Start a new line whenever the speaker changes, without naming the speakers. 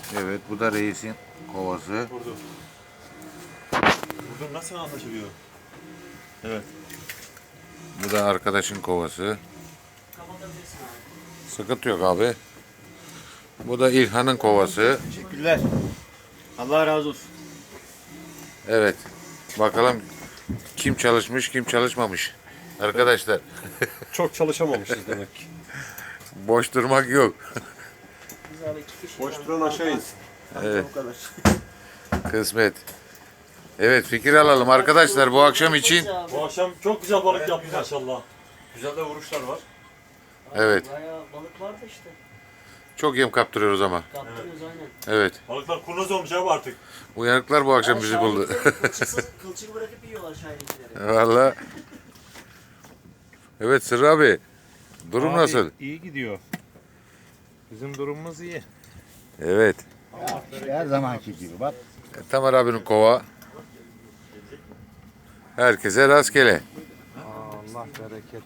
Evet, bu da reisin kovası.
Vurdum. Vurdum nasıl anlaşılıyor? Evet.
Bu da arkadaşın kovası. Sıkıntı yok abi. Bu da İlhan'ın kovası.
Teşekkürler. Allah razı olsun.
Evet. Bakalım kim çalışmış, kim çalışmamış. Arkadaşlar,
Çok çalışamamışız demek ki.
boş durmak yok.
Boş duran aşağı insin.
Evet. Kısmet. Evet, fikir alalım arkadaşlar bu akşam için.
Bu akşam çok güzel balık yaptık maşallah. Güzel de vuruşlar var.
Evet.
Bayağı balık vardı işte.
Çok yem kaptırıyoruz ama.
Kaptınız aynen.
Evet.
Balıklar kurnaz olmuş abi artık.
Uyanıklar bu akşam bizi buldu.
Kılçık bırakıp yiyorlar şahinlikleri.
Valla. Evet Sırrı abi. Durum
Abi,
nasıl?
İyi gidiyor. Bizim durumumuz iyi.
Evet.
Her zamanki gibi bak.
Tamer abinin kova. Herkese rastgele.
Allah bereket